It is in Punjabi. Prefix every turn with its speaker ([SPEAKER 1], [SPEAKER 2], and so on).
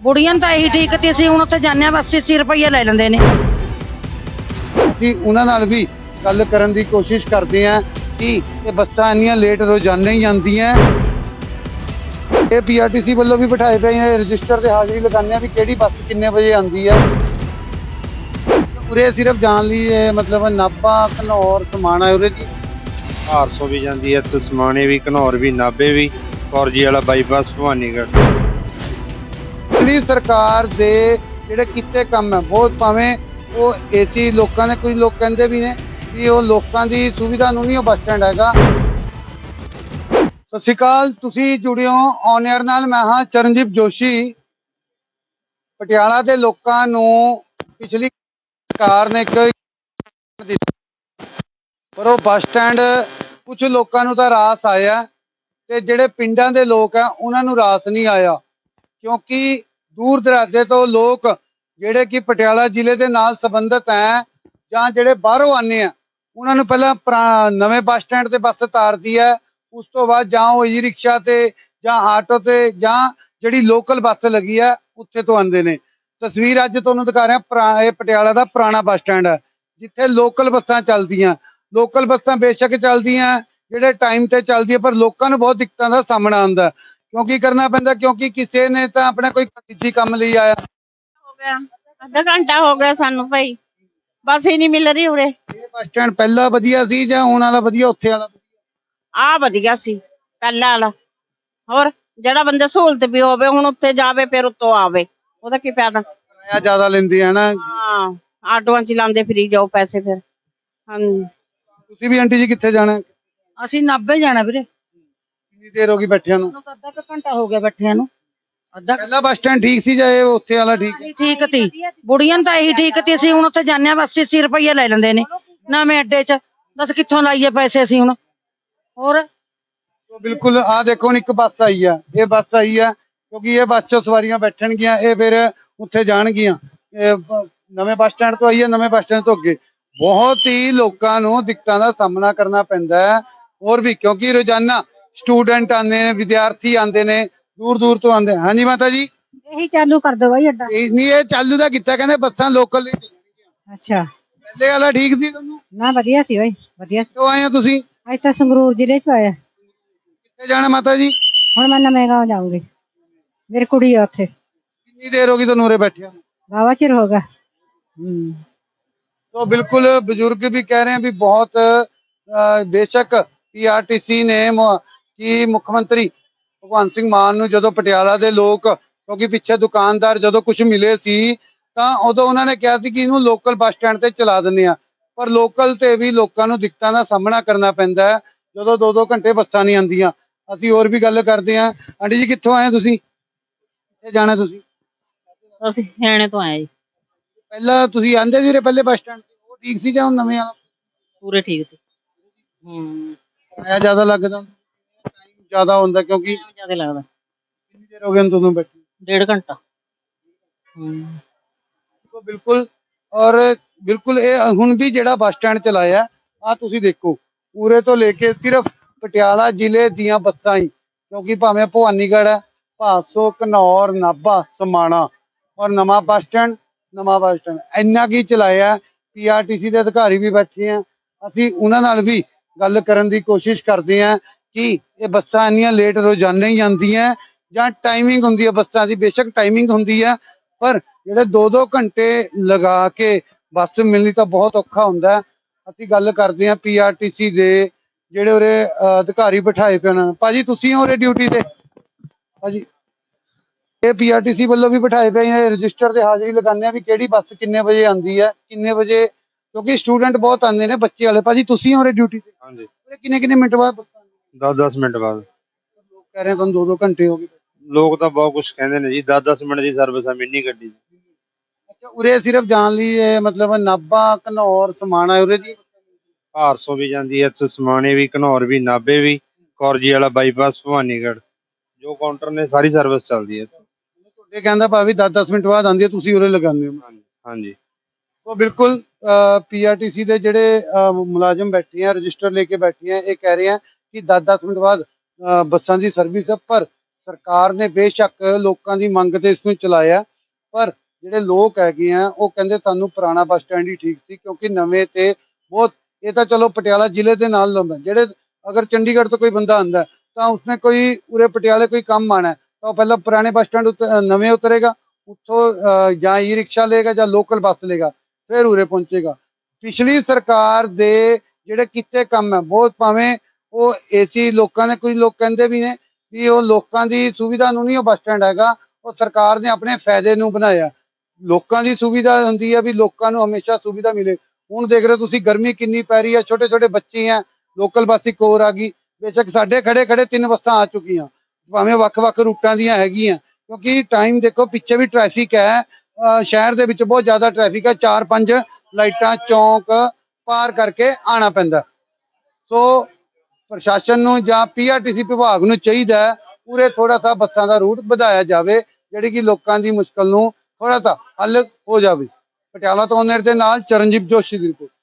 [SPEAKER 1] ਬੁੜੀਆਂ ਨੂੰ ਤਾਂ ਇਹੀ ਠੀਕ ਤੇ ਅਸੀਂ ਹੁਣ ਉੱਥੇ ਜਾਂਦੇ ਹਾਂ ਬਸ 80 ਰੁਪਏ ਲੈ ਲੈਂਦੇ ਨੇ।
[SPEAKER 2] ਅਸੀਂ ਉਹਨਾਂ ਨਾਲ ਵੀ ਗੱਲ ਕਰਨ ਦੀ ਕੋਸ਼ਿਸ਼ ਕਰਦੇ ਹਾਂ ਕਿ ਇਹ ਬੱਸਾਂ ਇੰਨੀਆਂ ਲੇਟ ਰੋਜ਼ਾਨਾ ਹੀ ਆਉਂਦੀਆਂ। ਇਹ ਪੀਆਰਟੀਸੀ ਵੱਲੋਂ ਵੀ ਬਿਠਾਏ ਪਏ ਨੇ ਰਜਿਸਟਰ ਤੇ ਹਾਜ਼ਰੀ ਲਗਾਉਂਦੇ ਆ ਵੀ ਕਿਹੜੀ ਬੱਸ ਕਿੰਨੇ ਵਜੇ ਆਉਂਦੀ ਹੈ। ਉਰੇ ਸਿਰਫ ਜਾਣ ਲਈ ਇਹ ਮਤਲਬ ਨਾਭਾ ਘਨੌਰ ਸਮਾਣਾ ਹੈ ਉਰੇ ਜੀ।
[SPEAKER 3] 400 ਵੀ ਜਾਂਦੀ ਹੈ ਤੇ ਸਮਾਣੇ ਵੀ ਘਨੌਰ ਵੀ ਨਾਭੇ ਵੀ ਫੌਜੀ ਵਾਲਾ ਬਾਈਪਾਸ ਭਵਾਨੀਗੜ੍ਹ।
[SPEAKER 2] ਦਿੱਲੀ ਸਰਕਾਰ ਦੇ ਜਿਹੜੇ ਕੀਤੇ ਕੰਮ ਹੈ ਬਹੁਤ, ਭਾਵੇਂ ਉਹ ਏਸੀ ਲੋਕਾਂ ਨੇ, ਕੁਝ ਲੋਕ ਕਹਿੰਦੇ ਵੀ ਨੇ ਵੀ ਉਹ ਲੋਕਾਂ ਦੀ ਸੁਵਿਧਾ ਨੂੰ ਨਹੀਂ ਉਹ ਬੱਸ ਸਟੈਂਡ ਹੈਗਾ। ਸਤਿ ਸ਼੍ਰੀ ਅਕਾਲ, ਤੁਸੀਂ ਜੁੜੇ ਹੋ ਔਨ 에ਅਰ ਨਾਲ। ਮੈਂ ਹਾਂ ਚਰਨਜੀਤ ਜੋਸ਼ੀ। ਪਟਿਆਲਾ ਦੇ ਲੋਕਾਂ ਨੂੰ ਪਿਛਲੀ ਸਰਕਾਰ ਨੇ ਇੱਕ ਪਰ ਉਹ ਬੱਸ ਸਟੈਂਡ ਕੁਝ ਲੋਕਾਂ ਨੂੰ ਤਾਂ ਰਾਸ ਆਇਆ ਤੇ ਜਿਹੜੇ ਪਿੰਡਾਂ ਦੇ ਲੋਕ ਆ ਉਹਨਾਂ ਨੂੰ ਰਾਸ ਨਹੀਂ ਆਇਆ, ਕਿਉਂਕਿ ਦੂਰ ਦਰਾਡੇ ਤੋਂ ਲੋਕ ਜਿਹੜੇ ਕਿ ਪਟਿਆਲਾ ਜ਼ਿਲ੍ਹੇ ਦੇ ਨਾਲ ਸੰਬੰਧਿਤ ਹੈ ਜਾਂ ਜਿਹੜੇ ਬਾਹਰੋਂ ਆਉਂਦੇ ਆ ਉਹਨਾਂ ਨੂੰ ਪਹਿਲਾਂ ਨਵੇਂ ਬੱਸ ਸਟੈਂਡ ਤੇ ਬੱਸ ਉਤਾਰਦੀ ਹੈ, ਉਸ ਤੋਂ ਬਾਅਦ ਜਾਂ ਉਹ ਈ ਰਿਕਸ਼ਾ ਤੇ ਜਾਂ ਆਟੋ ਤੇ ਜਾਂ ਜਿਹੜੀ ਲੋਕਲ ਬੱਸ ਲੱਗੀ ਹੈ ਉੱਥੇ ਤੋਂ ਆਉਂਦੇ ਨੇ। ਤਸਵੀਰ ਅੱਜ ਤੁਹਾਨੂੰ ਦਿਖਾ ਰਿਹਾ, ਇਹ ਪਟਿਆਲਾ ਦਾ ਪੁਰਾਣਾ ਬੱਸ ਸਟੈਂਡ ਹੈ ਜਿੱਥੇ ਲੋਕਲ ਬੱਸਾਂ ਚੱਲਦੀਆਂ। ਲੋਕਲ ਬੱਸਾਂ ਬੇਸ਼ੱਕ ਚੱਲਦੀਆਂ ਜਿਹੜੇ ਟਾਈਮ ਤੇ ਚੱਲਦੀਆਂ, ਪਰ ਲੋਕਾਂ ਨੂੰ ਬਹੁਤ ਦਿੱਕਤਾਂ ਦਾ ਸਾਹਮਣਾ ਆਉਂਦਾ। ਕਿਉਂਕਿ ਕਰਨਾ ਪੈਂਦਾ, ਕਿਉਂਕਿ ਕਿਸੇ ਨੇ ਤਾਂ ਆਪਣਾ ਕੋਈ ਨਿੱਜੀ ਕੰਮ ਲਈ ਆਇਆ।
[SPEAKER 4] ਹੋ ਗਿਆ ਅੱਧਾ ਘੰਟਾ ਹੋ ਗਿਆ ਸਾਨੂੰ ਭਾਈ, ਬੱਸ ਹੀ ਨਹੀਂ ਮਿਲ ਰਹੀ ਉਰੇ।
[SPEAKER 2] ਇਹ ਬੱਸ ਸਟੈਂਡ ਪਹਿਲਾਂ ਵਧੀਆ ਸੀ ਜਾਂ ਹੁਣ ਵਾਲਾ ਵਧੀਆ, ਉੱਥੇ ਵਾਲਾ?
[SPEAKER 4] ਆ ਵਧੀਆ ਸੀ ਪਹਿਲਾਂ ਵਾਲਾ। ਹੋਰ ਜਿਹੜਾ ਬੰਦਾ ਸਹੂਲਤ ਵੀ ਹੋਵੇ, ਹੁਣ ਉੱਥੇ ਜਾਵੇ ਫਿਰ ਉੱਤੋਂ ਆਵੇ, ਉਹਦਾ ਕੀ ਫਾਇਦਾ।
[SPEAKER 2] ਕਿਰਾਇਆ ਜ਼ਿਆਦਾ ਲੈਂਦੇ ਹੈ ਨਾ।
[SPEAKER 4] ਹਾਂ, ਆਟੋਆਂ ਚ ਲਾਉਂਦੇ ਫਿਰੀ ਜਾਓ ਪੈਸੇ ਫਿਰ। ਹਾਂਜੀ,
[SPEAKER 2] ਤੁਸੀਂ ਵੀ ਆਂਟੀ ਜੀ ਕਿੱਥੇ ਜਾਣਾ?
[SPEAKER 1] ਅਸੀਂ ਨਾਭੇ ਜਾਣਾ ਵੀਰੇ।
[SPEAKER 2] ਕਿੰਨੀ ਦੇਰ ਹੋ ਗਈ ਬੈਠਿਆਂ ਨੂੰ?
[SPEAKER 1] ਸਾਨੂੰ ਤਾਂ ਅੱਧਾ ਕੁ ਘੰਟਾ ਹੋ ਗਿਆ ਬੈਠਿਆਂ ਨੂੰ। ਅੱਧਾ
[SPEAKER 2] ਪਹਿਲਾ ਬੱਸ ਸਟੈਂਡ ਠੀਕ ਸੀ ਜਾਂ ਇਹ ਉੱਥੇ ਵਾਲਾ ਠੀਕ ਹੈ?
[SPEAKER 1] ਠੀਕ ਤੀ, ਬੁੜੀਆਂ ਨੂੰ ਤਾਂ ਇਹੀ ਠੀਕ ਤੇ ਅਸੀਂ ਹੁਣ ਉੱਥੇ ਜਾਂਦੇ ਹਾਂ ਬਸ 80 ਰੁਪਏ ਲੈ ਲੈਂਦੇ ਨੇ ਨਵੇਂ ਅੱਡੇ 'ਚ। ਦੱਸ ਕਿੱਥੋਂ ਲਾਈਏ ਪੈਸੇ ਅਸੀਂ ਹੁਣ। ਹੋਰ
[SPEAKER 2] ਬਿਲਕੁਲ, ਆਹ ਦੇਖੋ ਹੁਣ ਇੱਕ ਬੱਸ ਆਈ ਆ, ਇਹ ਬੱਸ ਆਈ ਆ ਕਿਉਂਕਿ ਇਹ ਬੱਸ 'ਚੋਂ ਸਵਾਰੀਆਂ ਬੈਠਣਗੀਆਂ, ਇਹ ਫਿਰ ਉੱਥੇ ਜਾਣਗੀਆਂ। ਇਹ ਨਵੇਂ ਬੱਸ ਸਟੈਂਡ ਤੋਂ ਆਈ ਹੈ, ਨਵੇਂ ਬੱਸ ਸਟੈਂਡ ਤੋਂ ਅੱਗੇ ਬਹੁਤ ਹੀ ਲੋਕਾਂ ਨੂੰ ਦਿੱਕਤਾਂ ਦਾ ਸਾਹਮਣਾ ਕਰਨਾ ਪੈਂਦਾ ਹੈ। ਹੋਰ ਵੀ ਕਿਉਂਕਿ ਰੋਜ਼ਾਨਾ ਸਟੂਡੈਂਟ ਆਉਂਦੇ ਨੇ, ਵਿਦਿਆਰਥੀ ਆਉਂਦੇ ਨੇ, ਦੂਰ ਦੂਰ ਤੋਂ ਆਉਂਦੇ। ਹਾਂਜੀ ਮਾਤਾ ਜੀ,
[SPEAKER 1] ਇਹੀ ਚਾਲੂ ਕਰ ਦੋ ਬਾਈ ਅੱਡਾ।
[SPEAKER 2] ਨਹੀਂ ਇਹ ਚਾਲੂ ਦਾ ਕੀਤਾ, ਕਹਿੰਦੇ ਬੱਸਾਂ ਲੋਕਲ ਲਈ।
[SPEAKER 1] ਅੱਛਾ,
[SPEAKER 2] ਪਹਿਲੇ ਵਾਲਾ ਠੀਕ ਸੀ ਤੁਹਾਨੂੰ?
[SPEAKER 1] ਨਾ ਵਧੀਆ ਸੀ ਬਾਈ, ਵਧੀਆ।
[SPEAKER 2] ਕਿਉਂ ਆਏ ਹੋ ਤੁਸੀਂ?
[SPEAKER 1] ਅੱਜ ਤਾਂ ਸੰਗਰੂਰ ਜ਼ਿਲ੍ਹੇ 'ਚ ਆਇਆ।
[SPEAKER 2] ਕਿੱਥੇ ਜਾਣਾ ਮਾਤਾ ਜੀ?
[SPEAKER 1] ਹੁਣ ਮੈਂ ਨਵੇਂ ਗਾँव ਜਾਊਂਗੀ, ਮੇਰੀ ਕੁੜੀ ਆ ਉੱਥੇ।
[SPEAKER 2] ਕਿੰਨੀ ਦੇਰ ਹੋ ਗਈ ਤੁਹਾਨੂੰ ਉਰੇ ਬੈਠਿਆ?
[SPEAKER 1] ਵਾਹਵਾ ਚਿਰ ਹੋ ਗਿਆ।
[SPEAKER 2] तो बिल्कुल बुजुर्ग भी कह रहे हैं भी बहुत बेशक पीआरटीसी ने की मुख्यमंत्री भगवंत सिंह मान नूं जदों पटियाला दे लोग, क्योंकि पिछे दुकानदार जदों कुछ मिले सी तां उदों उन्हां ने कहा सी कि इहनूं लोकल बस स्टैंड ते चला दिंदे आ, पर लोकल ते भी लोकां नूं दिक्कतां दा सामना करना पैंदा है जदों 2-2 घंटे बसां नहीं आंदियां। असीं होर भी गल करदे हां। आंटी जी कित्थों आए तुसीं? कित्थे जाना तुसीं?
[SPEAKER 4] ਅਸੀਂ ਹਰਿਆਣੇ ਤੋਂ ਆਏ ਜੀ।
[SPEAKER 2] ਪਹਿਲਾਂ ਤੁਸੀਂ ਆਂਦੇ ਸੀ ਪਹਿਲੇ ਬੱਸ ਸਟੈਂਡ ਤੇ, ਉਹ ਠੀਕ ਸੀ ਜਾਂ ਹੁਣ ਨਵੇਂ ਵਾਲਾ?
[SPEAKER 4] ਪੂਰੇ ਠੀਕ ਸੀ।
[SPEAKER 2] ਕਿਰਾਇਆ ਜ਼ਿਆਦਾ ਲੱਗਦਾ, ਟਾਈਮ ਜ਼ਿਆਦਾ ਹੁੰਦਾ ਕਿਉਂਕਿ
[SPEAKER 4] ਜ਼ਿਆਦਾ ਲੱਗਦਾ।
[SPEAKER 2] ਕਿੰਨੀ ਦੇਰ ਹੋ ਗਈ ਤੁਹਾਨੂੰ ਬੈਠੇ?
[SPEAKER 4] 1.5 ਘੰਟਾ।
[SPEAKER 2] ਬਿਲਕੁਲ। ਔਰ ਬਿਲਕੁਲ ਇਹ ਹੁਣ ਵੀ ਜਿਹੜਾ ਬੱਸ ਸਟੈਂਡ ਚਲਾਇਆ ਆ ਤੁਸੀਂ ਦੇਖੋ, ਪੂਰੇ ਤੋਂ ਲੈ ਕੇ ਸਿਰਫ ਪਟਿਆਲਾ ਜ਼ਿਲ੍ਹੇ ਦੀਆਂ ਬੱਸਾਂ ਹੀ, ਕਿਉਂਕਿ ਭਾਵੇਂ ਭਵਾਨੀਗੜ੍ਹ ਹੈ, ਭਾਸੋ, ਘਨੌਰ, ਨਾਭਾ, ਸਮਾਣਾ ਔਰ ਨਵਾਂ ਬੱਸ ਸਟੈਂਡ ਇੰਨਾ ਕੀ ਚਲਾਇਆ। ਪੀਆਰਟੀਸੀ ਦੇ ਅਧਿਕਾਰੀ ਵੀ ਬੈਠੇ ਆ, ਅਸੀਂ ਉਹਨਾਂ ਨਾਲ ਵੀ ਗੱਲ ਕਰਨ ਦੀ ਕੋਸ਼ਿਸ਼ ਕਰਦੇ ਹਾਂ ਕਿ ਇਹ ਬੱਸਾਂ ਇੰਨੀਆਂ ਲੇਟ ਰੋਜ਼ਾਨਾ ਹੀ ਆਉਂਦੀਆਂ ਜਾਂ ਟਾਈਮਿੰਗ ਹੁੰਦੀ ਹੈ ਬੱਸਾਂ ਦੀ। ਬੇਸ਼ੱਕ ਟਾਈਮਿੰਗ ਹੁੰਦੀ ਹੈ, ਪਰ ਜਿਹੜੇ 2-2 ਘੰਟੇ ਲਗਾ ਕੇ ਬੱਸ ਮਿਲਣੀ ਤਾਂ ਬਹੁਤ ਔਖਾ ਹੁੰਦਾ। ਅਸੀਂ ਗੱਲ ਕਰਦੇ ਹਾਂ ਪੀਆਰਟੀਸੀ ਦੇ ਜਿਹੜੇ ਉਰੇ ਅਧਿਕਾਰੀ ਬਿਠਾਏ ਪਏ ਹਨ। ਭਾਜੀ ਤੁਸੀਂ ਹੋ ਉਰੇ ਡਿਊਟੀ ਤੇ? ਭਾਜੀ ਇਹ ਪੀਆਰਟੀਸੀ ਵੱਲੋਂ ਵੀ ਬਿਠਾਏ ਪਏ ਨੇ ਰਜਿਸਟਰ ਤੇ ਹਾਜ਼ਰੀ ਲਗਾਉਂਦੇ ਆ ਵੀ ਕਿਹੜੀ ਬੱਸ ਕਿੰਨੇ ਵਜੇ ਆਉਂਦੀ ਹੈ, ਕਿੰਨੇ ਵਜੇ, ਕਿਉਂਕਿ ਸਟੂਡੈਂਟ ਬਹੁਤ ਆਉਂਦੇ ਨੇ, ਬੱਚੇ ਵਾਲੇ। ਭਾਜੀ ਤੁਸੀਂ ਹੋ ਡਿਊਟੀ ਤੇ?
[SPEAKER 3] ਹਾਂਜੀ,
[SPEAKER 2] ਕਿੰਨੇ ਮਿੰਟ ਬਾਅਦ ਬੱਸਾਂ ਆਉਂਦੀਆਂ?
[SPEAKER 3] 10-10 ਮਿੰਟ ਬਾਅਦ।
[SPEAKER 2] ਲੋਕ ਕਹਿ ਰਹੇ ਤੁਹਾਨੂੰ 2-2 ਘੰਟੇ ਹੋ ਗਏ।
[SPEAKER 3] ਲੋਕ ਤਾਂ ਬਹੁਤ ਕੁਝ ਕਹਿੰਦੇ ਨੇ ਜੀ, 10-10 ਮਿੰਟ ਦੀ ਸਰਵਿਸ ਆ ਮਿੰਨੀ ਗੱਡੀ ਦੀ।
[SPEAKER 2] ਅੱਛਾ, ਉਰੇ ਸਿਰਫ ਜਾਣ ਲਈ ਇਹ ਮਤਲਬ ਨਾਭਾ ਘਨੌਰ ਸਮਾਣਾ ਉਰੇ ਜੀ?
[SPEAKER 3] 400 ਵੀ ਜਾਂਦੀ ਹੈ ਤੇ ਸਮਾਣੇ ਵੀ ਘਨੌਰ ਵੀ ਨਾਭੇ ਵੀ ਫੌਜੀ ਵਾਲਾ ਬਾਈਪਾਸ ਭਵਾਨੀਗੜ੍ਹ, ਜੋ ਕਾਊਂਟਰ ਨੇ ਸਾਰੀ ਸਰਵਿਸ ਚੱਲਦੀ ਹੈ।
[SPEAKER 2] ਤੁਹਾਡੇ ਕਹਿੰਦਾ ਭਾਵੇਂ 10-10 ਮਿੰਟ ਬਾਅਦ ਆਉਂਦੀ ਹੈ, ਤੁਸੀਂ ਉਰੇ ਲਗਾਉਂਦੇ ਹੋ?
[SPEAKER 3] ਹਾਂਜੀ।
[SPEAKER 2] ਉਹ ਬਿਲਕੁਲ ਪੀਆਰਟੀਸੀ ਦੇ ਜਿਹੜੇ ਮੁਲਾਜ਼ਮ ਬੈਠੇ ਆ, ਰਜਿਸਟਰ ਲੈ ਕੇ ਬੈਠੇ ਆ, ਇਹ ਕਹਿ ਰਹੇ ਆ ਕਿ 10-10 ਮਿੰਟ ਬਾਅਦ ਬੱਸਾਂ ਦੀ ਸਰਵਿਸ ਹੈ, ਪਰ ਸਰਕਾਰ ਨੇ ਬੇਸ਼ੱਕ ਲੋਕਾਂ ਦੀ ਮੰਗ ਤੇ ਇਸ ਨੂੰ ਚਲਾਇਆ, ਪਰ ਜਿਹੜੇ ਲੋਕ ਹੈਗੇ ਆ ਉਹ ਕਹਿੰਦੇ ਸਾਨੂੰ ਪੁਰਾਣਾ ਬੱਸ ਸਟੈਂਡ ਹੀ ਠੀਕ ਸੀ, ਕਿਉਂਕਿ ਨਵੇਂ ਤੇ ਬਹੁਤ, ਇਹ ਤਾਂ ਚਲੋ ਪਟਿਆਲਾ ਜ਼ਿਲ੍ਹੇ ਦੇ ਨਾਲ ਲਾਉਂਦਾ, ਜਿਹੜੇ ਅਗਰ ਚੰਡੀਗੜ੍ਹ ਤੋਂ ਕੋਈ ਬੰਦਾ ਆਂਦਾ ਤਾਂ ਉਸਨੇ ਕੋਈ ਉਰੇ ਪਟਿਆਲੇ ਕੋਈ ਕੰਮ ਆਣਾ ਤਾਂ ਉਹ ਪਹਿਲਾਂ ਪੁਰਾਣੇ ਬੱਸ ਸਟੈਂਡ ਨਵੇਂ ਉਤਰੇਗਾ, ਉੱਥੋਂ ਜਾਂ ਈ ਰਿਕਸ਼ਾ ਲਏਗਾ ਜਾਂ ਲੋਕਲ ਬੱਸ ਲਏਗਾ, ਫਿਰ ਉਰੇ ਪਹੁੰਚੇਗਾ। ਪਿਛਲੀ ਸਰਕਾਰ ਦੇ ਜਿਹੜੇ ਕੀਤੇ ਕੰਮ ਹੈ ਬਹੁਤ, ਭਾਵੇਂ ਉਹ ਏਸੀ ਲੋਕਾਂ ਨੇ, ਕੁਝ ਲੋਕ ਕਹਿੰਦੇ ਵੀ ਨੇ ਵੀ ਉਹ ਲੋਕਾਂ ਦੀ ਸੁਵਿਧਾ ਨੂੰ ਨਹੀਂ ਉਹ ਬੱਸ ਸਟੈਂਡ ਹੈਗਾ, ਉਹ ਸਰਕਾਰ ਨੇ ਆਪਣੇ ਫਾਇਦੇ ਨੂੰ ਬਣਾਇਆ। ਲੋਕਾਂ ਦੀ ਸੁਵਿਧਾ ਹੁੰਦੀ ਹੈ ਵੀ ਲੋਕਾਂ ਨੂੰ ਹਮੇਸ਼ਾ ਸੁਵਿਧਾ ਮਿਲੇ। ਹੁਣ ਦੇਖ ਰਹੇ ਹੋ ਤੁਸੀਂ ਗਰਮੀ ਕਿੰਨੀ ਪੈ ਰਹੀ ਹੈ, ਛੋਟੇ ਛੋਟੇ ਬੱਚੇ ਆ, ਲੋਕਲ ਬੱਸ ਇੱਕ ਹੋਰ ਆ ਗਈ, ਬੇਸ਼ੱਕ ਸਾਡੇ ਖੜੇ ਖੜੇ 3 ਬੱਸਾਂ ਆ ਚੁੱਕੀਆਂ, ਭਾਵੇਂ ਵੱਖ-ਵੱਖ ਰੂਟਾਂ ਦੀਆਂ ਹੈਗੀਆਂ, ਕਿਉਂਕਿ ਟਾਈਮ ਦੇਖੋ ਪਿੱਛੇ ਵੀ ਟ੍ਰੈਫਿਕ ਹੈ, ਸ਼ਹਿਰ ਦੇ ਵਿੱਚ ਬਹੁਤ ਜ਼ਿਆਦਾ ਟ੍ਰੈਫਿਕ ਹੈ, 4-5 ਲਾਈਟਾਂ ਚੌਂਕ ਪਾਰ ਕਰਕੇ ਆਣਾ ਪੈਂਦਾ। ਸੋ ਪ੍ਰਸ਼ਾਸਨ ਨੂੰ ਜਾਂ ਪੀਆਰਟੀਸੀ ਵਿਭਾਗ ਨੂੰ ਚਾਹੀਦਾ ਹੈ ਪੂਰੇ ਥੋੜਾ ਸਾ ਬੱਸਾਂ ਦਾ ਰੂਟ ਵਧਾਇਆ ਜਾਵੇ, ਜਿਹੜੀ ਕਿ ਲੋਕਾਂ ਦੀ ਮੁਸ਼ਕਲ ਨੂੰ ਥੋੜਾ ਸਾ ਹੱਲ ਹੋ ਜਾਵੇ। ਪਟਿਆਲਾ ਤੋਂ ਓਨਰ ਦੇ ਨਾਲ ਚਰਨਜੀਤ ਜੋਸ਼ੀ ਦੀ ਰਿਪੋਰਟ।